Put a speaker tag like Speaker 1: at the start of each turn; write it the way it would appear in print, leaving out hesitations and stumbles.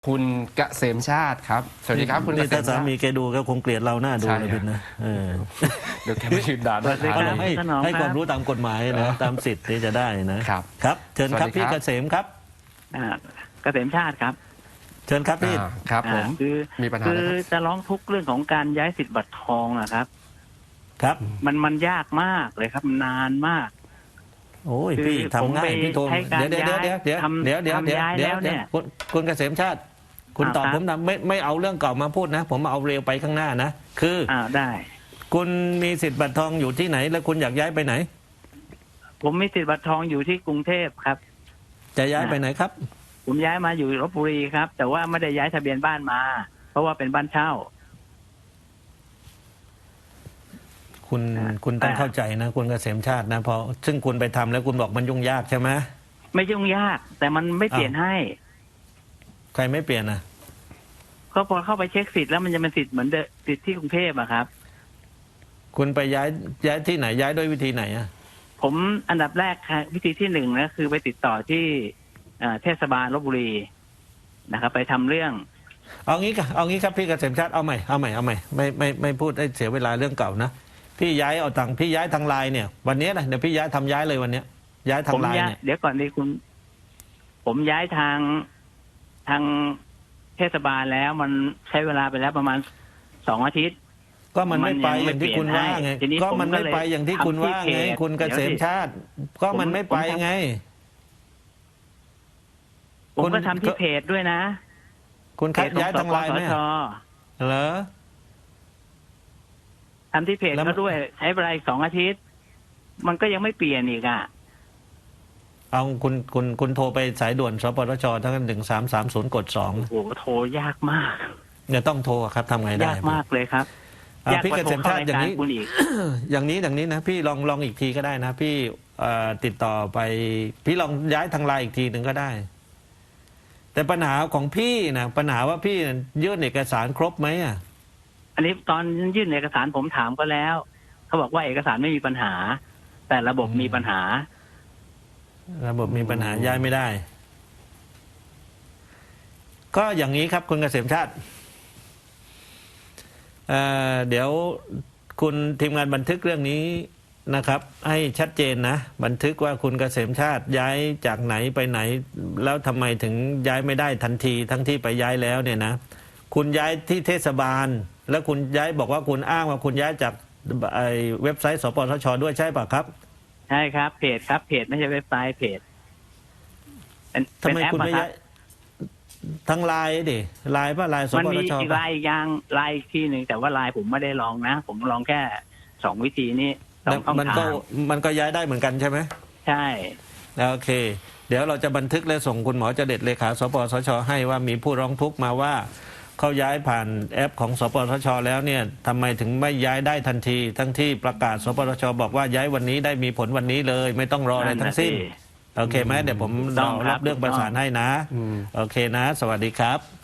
Speaker 1: คุณเกษมชาติครับสวัสดีครับคุณเกษมชาติ
Speaker 2: ถ้าสามีแกดูก็คงเกลียดเราหน้าดู
Speaker 1: ใช่
Speaker 2: เลยพี่นะ
Speaker 1: เดี๋ยวแกไม่ยืนด่าด้วย
Speaker 2: เพราะเราให้ความรู้ตามกฎหมายนะตามสิทธิ์ที่จะได้นะครับครับเชิญครับพี่เกษมครับ
Speaker 3: เกษมชาติครับ
Speaker 2: เชิญครับพี่
Speaker 1: ครับผมมีปัญหาคือ
Speaker 3: จะร้องทุกข์เรื่องของการย้ายสิทธิ์บัตรทองนะครับ
Speaker 2: ครับ
Speaker 3: มันยากมากเลยครับนานมาก
Speaker 2: โอ้ยพี่ทำง่ายพี่โทรเดี๋ยวคุณเกษมชาติคุณตอบผมนะไม่เอาเรื่องเก่ามาพูดนะผมเอาเร็วไปข้างหน้านะคือ
Speaker 3: ได้
Speaker 2: คุณมีสิทธิ์บัตรทองอยู่ที่ไหนแล้วคุณอยากย้ายไปไหน
Speaker 3: ผมมีสิทธิ์บัตรทองอยู่ที่กรุงเทพครับ
Speaker 2: จะย้ายไปไหนครับ
Speaker 3: ผมย้ายมาอยู่ลพบุรีครับแต่ว่าไม่ได้ย้ายทะเบียนบ้านมาเพราะว่าเป็นบ้านเช่า
Speaker 2: คุณต้องเข้าใจนะคุณเกษมชาตินะพอซึ่งคุณไปทำแล้วคุณบอกมันยุ่งยากใช่ไหม
Speaker 3: ไม่ยุ่งยากแต่มันไม่เปลี่ยนให้
Speaker 2: ใครไม่เปลี่ยนนะ
Speaker 3: ก็พอเข้าไปเช็คสิทธิ์แล้วมันจะเป็นสิทธิ์เหมือนสิทธิ์ที่กรุงเทพอะครับ
Speaker 2: คุณไปย้ายที่ไหนย้ายด้วยวิธีไหนอะ
Speaker 3: ผมอันดับแรกวิธีที่หนึ่งนะคือไปติดต่อที่เทศบาลลพบุรีนะครับไปทำเรื่อง
Speaker 2: เอางี้ครับพี่เกษมชาติเอาใหม่ไม่พูดให้เสียเวลาเรื่องเก่านะพี่ย้ายเอาตังค์พี่ย้ายทางไลน์เนี่ยวันนี้นะเดี๋ยวพี่ย้ายเลยวันนี้ย้ายทางไลน์เนี่ย
Speaker 3: เดี๋ยวก่อนนี้ผมย้ายทางเทศบาลแล้วมันใช้เวลาไปแล้วประมาณ2 อาทิตย์
Speaker 2: ก็มันไม่ไปอย่างที่คุณว่าไงก็มันไม่ไปอย่างที่คุณว่าไงคุณเกษมชาติก็มันไม่ไปไง
Speaker 3: ผมก็ทำที่เพจด้วยนะ
Speaker 2: คุณคัดย้ายทางไลน์ไหมเหรอ
Speaker 3: ทำที่เพจก็ด้วยใช้เวลาอีก2 อาทิตย์มันก็ยังไม่เปลี่ยนอีก
Speaker 2: เอาคุณโทรไปสายด่วนสปสชทั้ง1330 กด 2
Speaker 3: โอ้โทรยากมาก
Speaker 2: เนี่ยต้องโทรครับทำไงได้
Speaker 3: ยากมากเลยครับ
Speaker 2: พี่เกษมชาติอย่างนี้นะพี่ลองอีกทีก็ได้นะพี่ติดต่อไปพี่ลองย้ายทางไลน์อีกทีหนึ่งก็ได้แต่ปัญหาของพี่นะปัญหาว่าพี่ยื่นเอกสารครบไหม
Speaker 3: อันนี้ตอนยื่นเอกสารผมถามก็แล้วเขาบอกว่าเอกสารไม่มีปัญหาแต่ระบบมีปัญหา
Speaker 2: ย้ายไม่ได้ก็อย่างนี้ครับคุณเกษมชาติเดี๋ยวคุณทีมงานบันทึกเรื่องนี้นะครับให้ชัดเจนนะบันทึกว่าคุณเกษมชาติย้ายจากไหนไปไหนแล้วทำไมถึงย้ายไม่ได้ทันทีทั้งที่ไปย้ายแล้วเนี่ยนะคุณย้ายที่เทศบาลแล้วคุณย้ายบอกว่าคุณอ้างว่าคุณย้ายจากเว็บไซต์สปสช.ด้วยใช่ป่ะครับ
Speaker 3: ใช่ครับเพจครับเพจไม่ใช่เว็บไซต์เพจ
Speaker 2: ทำไมคุณไม่ย้ายทั้งไลน์ดิไลน์ป่ะไลน์สปสช.
Speaker 3: มันมีอีกไลน์อย่างไลน์อีกที่หนึ่งแต่ว่าไลน์ผมไม่ได้ลองนะผมลองแค่2 วิธีนี้
Speaker 2: มันก็ย้ายได้เหมือนกันใช่ไหม
Speaker 3: ใช่
Speaker 2: โอเคเดี๋ยวเราจะบันทึกและส่งคุณหมอเจเด็ดเลขาสปสช.ให้ว่ามีผู้ร้องทุกข์มาว่าเขาย้ายผ่านแอปของสปสช.แล้วเนี่ยทำไมถึงไม่ย้ายได้ทันทีทั้งที่ประกาศสปสช.บอกว่าย้ายวันนี้ได้มีผลวันนี้เลยไม่ต้องรออะไรทั้งสิ้นโอเคไหมเดี๋ยวผมรับเรื่องประสานให้นะโอเคนะสวัสดีครับ